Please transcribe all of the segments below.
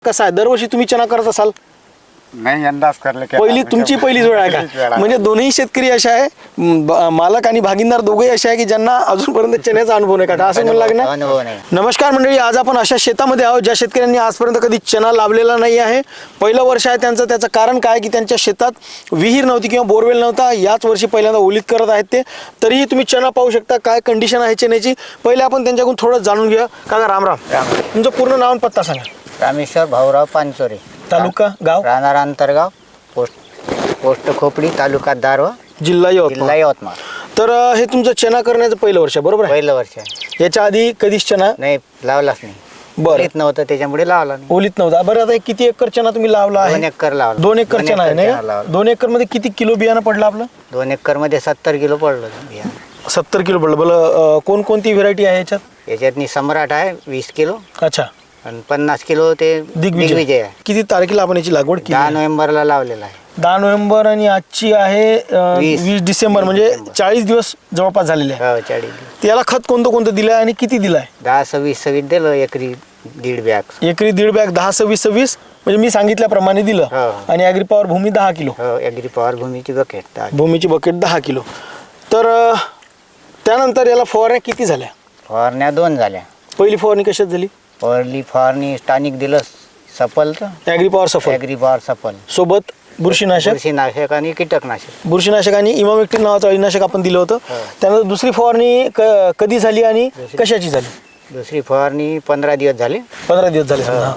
कसा आहे, दरवर्षी तुम्ही चना करत असाल? नाही, यंदाच करले. पहिली तुमची पहिलीच वेळ आहे का? म्हणजे दोन्ही शेतकरी असे आहे, मालक आणि भागीदार दोघेही असे आहे की ज्यांना अजूनपर्यंत चण्याचा अनुभव नाही का, असं म्हणू लागणार. नमस्कार मंडळी, आज आपण अशा शेतामध्ये आहोत ज्या शेतकऱ्यांनी आजपर्यंत कधी चना लावलेला नाही आहे. पहिलं वर्ष आहे त्यांचं. त्याचं कारण काय की त्यांच्या शेतात विहीर नव्हती किंवा बोरवेल नव्हता. याच वर्षी पहिल्यांदा ओलीत करत आहेत ते. तरीही तुम्ही चना पाहू शकता काय कंडिशन आहे चण्याची. पहिले आपण त्यांच्याकडून थोडं जाणून घेऊया. काका रामराम, तुमचं पूर्ण नाव आणि पत्ता सांगा. रामेश्वर भाऊराव पानचोरे, तालुका गाव राहणार अंतरगाव, पोस्ट खोपडी, तालुका दारवा, जिल्हा जिल्हा यवतमाळ. तर हे तुमचं चना करण्याचं पहिलं वर्ष आहे, बरोबर आहे? पहिलं वर्ष आहे. याच्या आधी कधीच चना नाही लावलाच नाही. बरं, येत नव्हतं त्याच्यामुळे लावला नाही. ओलीत नव्हता. बरं, आता किती एकर चना तुम्ही लावला 2 आहे? एकर लावला. 2 एकर चना आहे ना? 2 एकर मध्ये किती किलो बियाणं पडलं आपलं? 2 एकर मध्ये 70 किलो पडलं बियाणं. 70 किलो पडलं. बरं, कोणकोणती व्हेरायटी आहे याच्यात? याच्यातनी सम्राट आहे 20 किलो अच्छा, आणि 50 किलो ते दिग्विजय आहे. किती तारखेला आपण याची लागवड केली? 10 नोव्हेंबरला लावलेला आहे. 10 नोव्हेंबर आणि आजची आहे 20 डिसेंबर, म्हणजे 40 दिवस जवळपास झालेले आहे. हो, 40. याला खत कोणतं कोणतं दिलं आहे आणि किती दिलं आहे? 10-26 दिलं एकरी 1.5 बॅग. एकरी 1.5 बॅग 10-26 म्हणजे मी सांगितल्याप्रमाणे दिलं. हो. आणि ॲग्री पॉवर भूमी 10 किलो. हो, ॲग्री पॉवर भूमीची बकेट. भूमीची बकेट 10 किलो. तर त्यानंतर याला फवारण्या किती झाल्या? फवारण्या 2 झाल्या. पहिली फवारणी कशात झाली? पहिली फवारणी स्थानिक दिलं सफलचं. Agri power Safal agri power Safal सोबत बुरशीनाशक बुरशीनाशक आणि कीटकनाशक. बुरशीनाशक आणि इमामेक्टिन नावाचं अळीनाशक आपण दिलं होतं. त्यानंतर दुसरी फवारणी कधी झाली आणि कशाची झाली? दुसरी फवारणी 15 दिवस झाले. 15 दिवस झाले. समजा.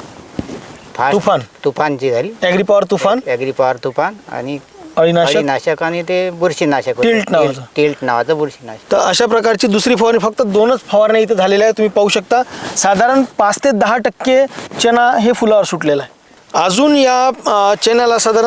तुफान तुफानची झाली. Agri power Toofan, agri power Toofan आणि अळीनाशक नाशक आणि ते बुरशीनाशक टिल्ट नावाचं. टिल्ट नावाचं बुरशीनाशक. तर अशा प्रकारची दुसरी फवारणी, फक्त 2च फवारण्या इथं झालेल्या आहेत. तुम्ही पाहू शकता साधारण 5 ते 10% चना हे फुलावर सुटलेलं आहे. अजून या चण्याला साधारण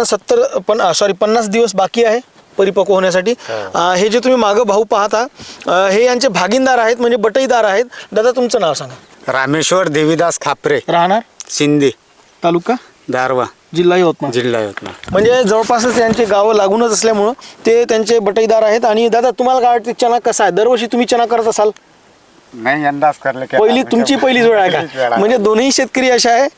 50 दिवस बाकी आहे परिपक्व होण्यासाठी. हे जे तुम्ही मागं भाऊ पाहता हे यांचे भागीदार आहेत, म्हणजे बटईदार आहेत. दादा तुमचं नाव सांगा. रामेश्वर देवीदास खापरे, राहणार शिंदे, तालुका दारवा, जिल्हा यवतमाळ. जिल्हा यवतमाळ. म्हणजे जवळपासच त्यांचे गावं लागूनच असल्यामुळं ते त्यांचे बटईदार आहेत. आणि दादा तुम्हाला काय वाटते चना कसा आहे, दरवर्षी तुम्ही चना करत असाल? नाही, यंदाच करले. पहिली तुमची पहिलीच वेळ आहे का? म्हणजे दोन्ही शेतकरी असे आहे,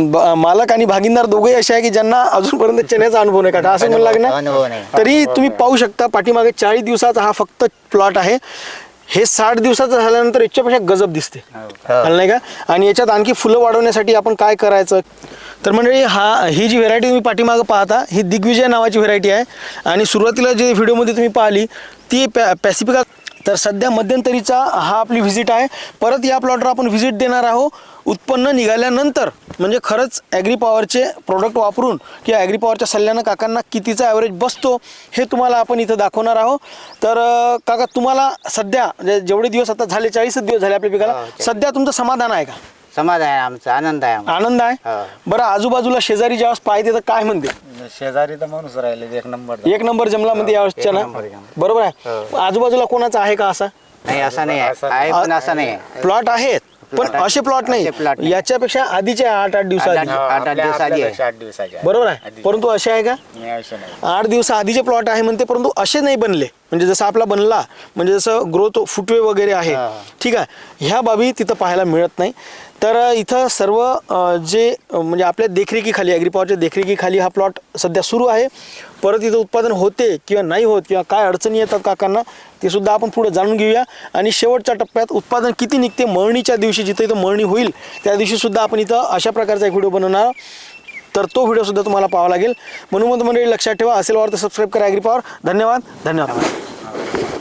मालक आणि भागीदार दोघेही असे आहे की ज्यांना अजूनपर्यंत चण्याचा अनुभव नाही का, असं म्हणू लागणार. अनुभव नाही. तरी तुम्ही पाहू शकता पाठीमागे 40 दिवसाचा हा फक्त प्लॉट आहे. हे 60 दिवसाचं झाल्यानंतर याच्यापेक्षा गजब दिसते, नाही का? आणि याच्यात आणखी फुलं वाढवण्यासाठी आपण काय करायचं? तर मंडळी ही जी व्हेरायटी तुम्ही पाठीमागं पाहता ही दिग्विजय नावाची व्हेरायटी आहे. आणि सुरुवातीला जे व्हिडिओमध्ये तुम्ही पाहिली ती पॅसिफिका. तर सध्या मध्यंतरीचा हा आपली व्हिजिट आहे. परत या प्लॉटवर आपण व्हिजिट देणार आहोत उत्पन्न निघाल्यानंतर. म्हणजे खरंच ॲग्री पॉवरचे प्रोडक्ट वापरून किंवा ॲग्री पॉवरच्या सल्ल्यानं काकांना कितीचा ॲव्हरेज बसतो हे तुम्हाला आपण इथं दाखवणार आहोत. तर काका तुम्हाला सध्या जेवढे दिवस आता झाले 40 दिवस झाले आपल्या पिकाला, सध्या तुमचं समाधान आहे का? समाधान आहे आमचा, आनंद आहे आम्हाला. आनंद आहे. बरं, आजूबाजूला शेजारी ज्यावेळेस पाहते तर काय म्हणते? शेजारी तर माणूस राहिले एक नंबर जमला म्हणते यावेळेसच्या ना, बरोबर आहे. आजूबाजूला कोणाचा आहे का असा? नाही, असं नाही आहे पण असं नाही आहे. प्लॉट आहेत पण असे प्लॉट नाही. याच्यापेक्षा आधीचे 8 दिवसाआधी, 8 दिवसाची आहे. 8 दिवसाचे. बरोबर आहे. परंतु असे आहे का? 8 दिवस आधीचे प्लॉट आहे म्हणते, परंतु असे नाही बनले. म्हणजे जसं आपला बनला, म्हणजे जसं ग्रोथ फुटवे वगैरे आहे, ठीक आहे, ह्या बाबी तिथं पाहायला मिळत नाही. तर इथं सर्व जे म्हणजे आपल्या देखरेखीखाली, ॲग्री पॉवरच्या देखरेखीखाली हा प्लॉट सध्या सुरू आहे. परत इथं उत्पादन होते किंवा नाही होत किंवा काय अडचणी येतात काकांना ते सुद्धा आपण पुढे जाणून घेऊया. आणि शेवटच्या टप्प्यात उत्पादन किती निघते मळणीच्या दिवशी, जिथं इथं मळणी होईल त्या दिवशी सुद्धा आपण इथं अशा प्रकारचा एक व्हिडिओ बनवणार. तर तो व्हिडिओसुद्धा तुम्हाला पाहावा लागेल. म्हणून मंडळी लक्षात ठेवा, असेल वाटतं सबस्क्राईब करा ॲग्री पॉवर. धन्यवाद.